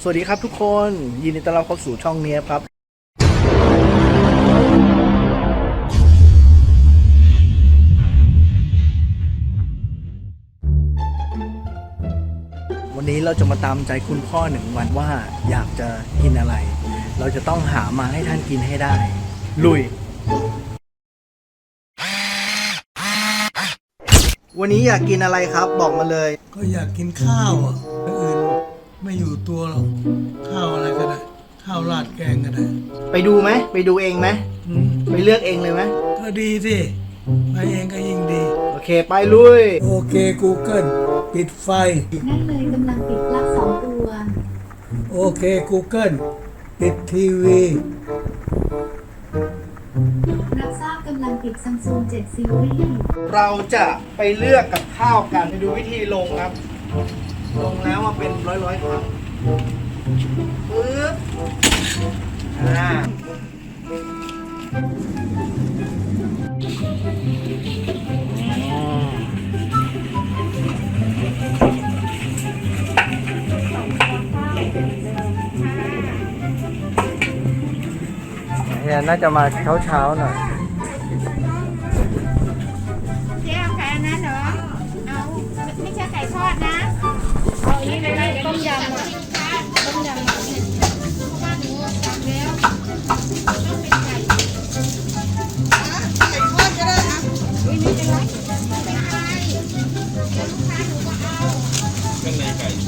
วัสดีครับทุกคนยินดีต้อนรับเข้าสู่ช่องเนี้ยครับวันนี้เราจะมาตามใจคุณพ่อหนึ่งวันว่าอยากจะกินอะไรเราจะต้องหามาให้ท่านกินให้ได้ลุยวันนี้อยากกินอะไรครับบอกมาเลยก็อยากกินข้าวอ่ะอย่างอื่นไม่อยู่ตัวหรอกข้าวอะไรก็ได้ข้าวราดแกงก็ได้ไปดูไหมไปดูเองไหมไปเลือกเองเลยไหมก็ดีสิไปเองก็ยิ่งดีโอเคไปลุยโอเค Google ปิดไฟนั่นเลยกำลังปิดปลั๊ก2 ตัวโอเค Google ปิดทีวีรับทราบกำลังปิด Samsung 7 Series เราจะไปเลือกกับข้าวกันไปดูวิธีลงครับลงแล้วมาเป็นร้อยครั้งปึ๊บเนี่ยน่าจะมาเช้าหน่อยเจ๊เอาไก่อันนั้นเหรอเอาไม่ใช่ไก่ทอดนะเอาอันนี้เลยต้มยำอ่ะต้มยำเพราะว่าหนูสั่งแล้วต้องเป็นไก่ทอดก็ได้นะไม่เป็นไรไม่เป็นไรเดี๋ยวลูกค้าหนูก็เอาเครื่องในไก่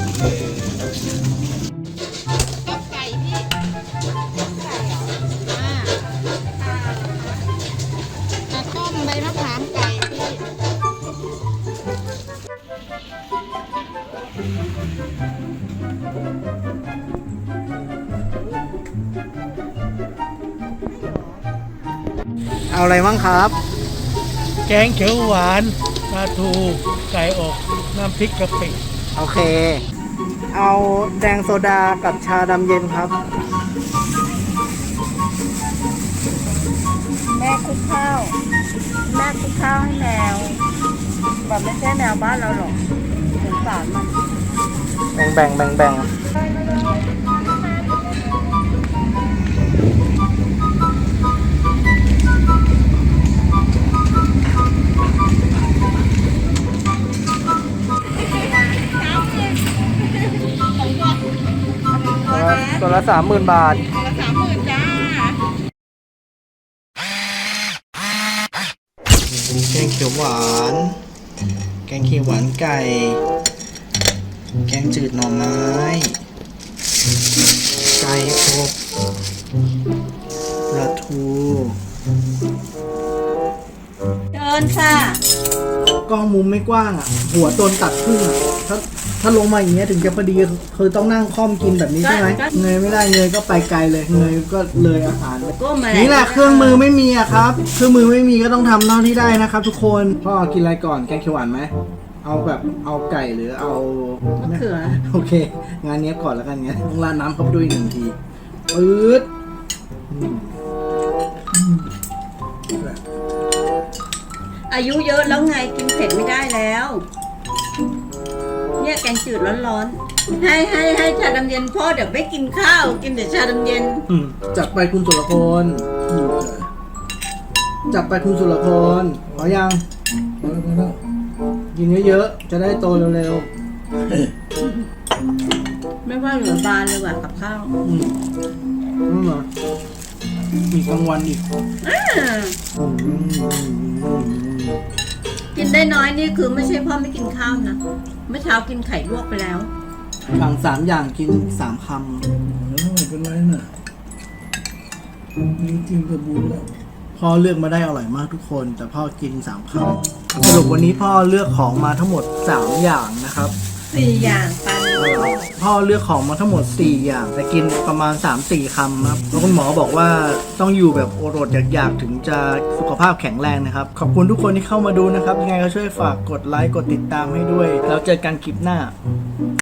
ต้มไก่พี่ต้มไก่เหรอต้มใบมะขามไก่พี่เอาอะไรบ้างครับแกงเขียวหวานปลาทูไก่อกน้ำพริกกะปิโอเคเอาแดงโซดากับชาดำเย็นครับแม่คลุกข้าวแม่คลุกข้าวให้แมวแบบไม่ใช่แมวบ้านเราหรอกสงสารมันแบ่งตัวละ30,000 บาทตัวละ30,000จ้าแกงเขียวหวานแกงเขียวหวานไก่แกงจืดหน่อไม้ไก่อบปลาทูเดินค่ะกล้องมุมไม่กว้างอ่ะหัวโดนตัดครึ่งอ่ะถ้าลงมาอย่างเงี้ยถึงจะพอดีคือต้องนั่งค่อมกินแบบนี้ใช่ไหมเงยไม่ได้เงยก็ไปไกลเลยเงยก็เลยอาหารไปนี่แหละเครื่องมือไม่มีอะครับเครื่องมือไม่มีก็ต้องทำเท่าที่ได้นะครับทุกคนพ่อกินอะไรก่อนแกงเขียวหวานไหมเอาแบบเอาไก่หรือเอามะเขือโอเคงานนี้ก่อนแล้วกันงั้นต้องราดน้ำเข้าไปด้วย1 ทีปื๊ดอายุเยอะแล้วไงกินเผ็ดไม่ได้แล้วเนี่ยแกงจืดร้อนๆให้ชาดำเย็นพ่อเดี๋ยวไม่กินข้าวกินแต่ชาดำเย็นจัดไปคุณสุรพลจัดไปคุณสุรพลพอยังกินเยอะๆจะได้โตเร็วๆไม่ว่าเหลือบานเลยว่ะกับข้าวนั่นเหรอมีกลางวันอีกกินได้น้อยนี่คือไม่ใช่พ่อไม่กินข้าวนะเมื่อเช้ากินไข่ลวกไปแล้วสั่ง3 อย่างกิน3 คำไม่เป็นไรนะมีกินกระบุนแล้วพ่อเลือกมาได้อร่อยมากทุกคนแต่พ่อกิน3 คำสรุปวันนี้พ่อเลือกของมาทั้งหมด3 อย่างนะครับ 4 อย่างปันพ่อเลือกของมาทั้งหมด4 อย่างแต่กินประมาณ 3-4 คำครับแล้วคุณหมอบอกว่าต้องอยู่แบบอดอยากถึงจะสุขภาพแข็งแรงนะครับขอบคุณทุกคนที่เข้ามาดูนะครับยังไงก็ช่วยฝากกดไลค์กดติดตามให้ด้วยแล้วเจอกันคลิปหน้า